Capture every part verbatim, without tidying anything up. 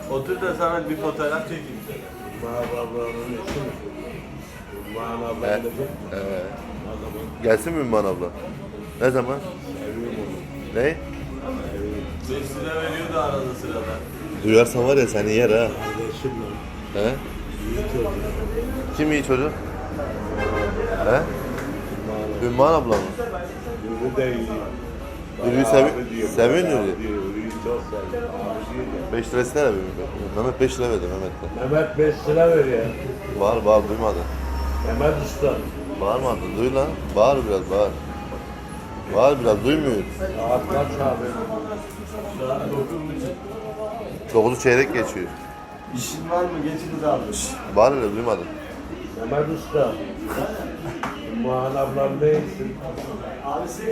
Otur da sana bir fotoğraf çekeyim sana. Bana ablanın eşi mi? Bana abla Evet. gelecek mi? Evet. Adamın Gelsin mi Ümman abla? Ne zaman? seviyorum onu. Ne? Seviyorum. beş lira veriyordu arada sırada. Duyarsan var ya seni yer ha. Kardeşim lan. He? İyi çocuk. Kim iyi çocuk? He? Bana. Ümman abla mı? Yürü de iyi. Yürüyü Bana sevi- abi diyor, seviyor bana Yürüyü. abi diyor, Yürüyü çok seviyor. Abi diyor ya. beş lirası ne abi? Mehmet beş lira verdi Mehmet'le. Mehmet beş lira ver ya. Bağır bağır duymadı. Mehmet Usta. Bağırmadı duy lan. Bağır biraz bağır. Bağır biraz duymuyor. Saat kaç abi? Saat dokuz buçuk. Dokuzu çeyrek geçiyor. İşin var mı? Geçiniz almış. Bağır öyle duymadı. Mehmet Usta. Muhan ablam neysin? Abisi.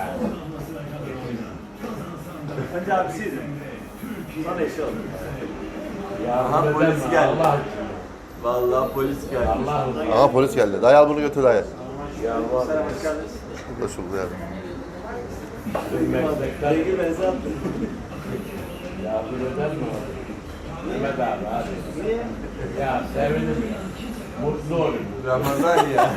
Önce abisiydi. Sonra eşi oldu. Aha, polis geldi. Allah için. Vallahi polis geldi. Allah için. Aha polis geldi. Dayı al bunu götür dayı. Ya var. Sen hoş geldiniz. Hoş bulduk ya. Bir meslekten Bilgi benzer attı. yardım eder mi abi? Mehmet abi hadi. Niye? Ya sevinirim ya. Mutlu olayım. Ramazan ya.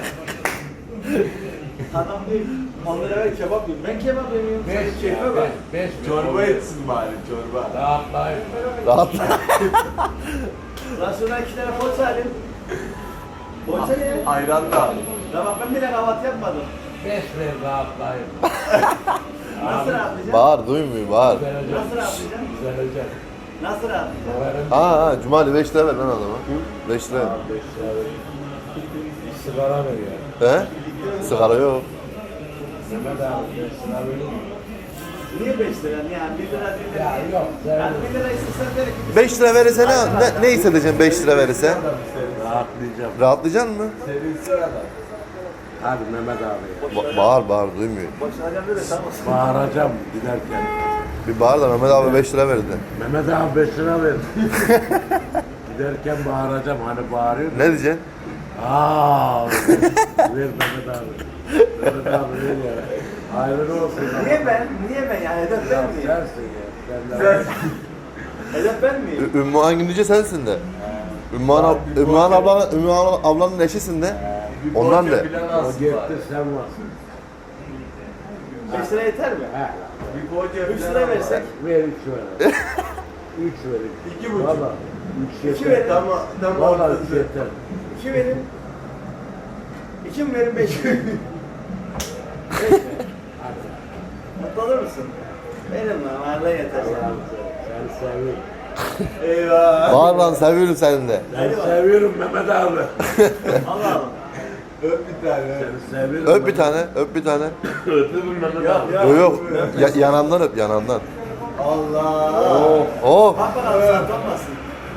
Adam değil. on lira ver kebap yiyeyim. Ben kebap yemiyorum. Beş Senin keyfe ya, bak. beş, beş. Çorba etsin bari çorba. Rahatlayın. Rahatla. Lan şuna iki tane poğaça alayım. Poğaça ne? Ayran da al. Ya bak ben bile kahvaltı yapmadım. Beş ver rahatlayın. Nasıl rahatlayacağım? Bağır duymuyor bağır. Düzelecek. Nasıl rahatlayacağım? Düzelecek. Nasıl rahatlayacağım? Severim. Ha ha Cumali beş lira ver lan adama. beş lira. Abi beş lira ver. Bir sigara ver ya. He? Sigara yok. Mehmet abi beş lira verir mi? Niye beş lira? Niye? Bir lira bir lira. Ya yok Yani sevinirim. bir lira istesen verir. beş lira verirse ne, ne, ne hissedeceksin beş lira verirse? Rahatlayacağım. Rahatlayacaksın mı? Sevinsin adam. Hadi Mehmet abi ya. Ba- bağır bağır duymuyor. Boşuna geldi de tamam. Bağıracağım giderken. Bir bağır da Mehmet abi beş lira verdi. Mehmet abi beş lira ver. Giderken bağıracağım hani bağırıyor. Ne diyeceksin? Aaa. Ver Mehmet abi. Mehmet abi ver ya. Hayırlı olsun. Niye ben? Niye ben yani? Hedef Ya ben miyim? sensin ya. Sen de. Hedef ben miyim? Ü- Ümmü Hanginice sensin de. Ümmühan, ab Ümmühan ablanın, Ümmühan ablanın eşisin de. Bir Ondan poğaça de. falan O alsın gitti bari. sen varsın. beş lira yeter mi? He. Bir poğaça üç falan lira al. versek. Ver üç ver. Üç ver. İki buçuk. Valla. Üç İki yeter. verin. Tamam, tamam. Valla üç yeter. İki verin. İki mi verin beş mi? Beş mi? Hadi. Mutlu olur musun? Verin lan. Varlığa yeter. Allah'ım seni seviyorum. Eyvah. Bağır lan seviyorum seni de. Seni seviyorum Mehmet abi. Allah Allah. Öp bir tane. Seni seviyorum. Öp bir tane, öp bir tane. Öpüyorum Mehmet abi. Ya. Yok yok. Ya, yanağından öp yanağından. Allah. Oh. Oh. Bak bakalım sana tutmasın.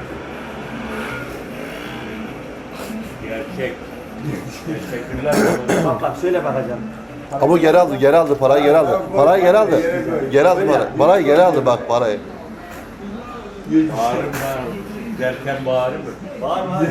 Gerçek. Teşekkürler. Bak bak şöyle bakacağım. Ama geri aldı, geri aldı, parayı geri aldı. Parayı geri aldı. Geri aldı parayı. Parayı geri aldı bak parayı. Bağırım bağırım. Derken bağırım mı? Var mı?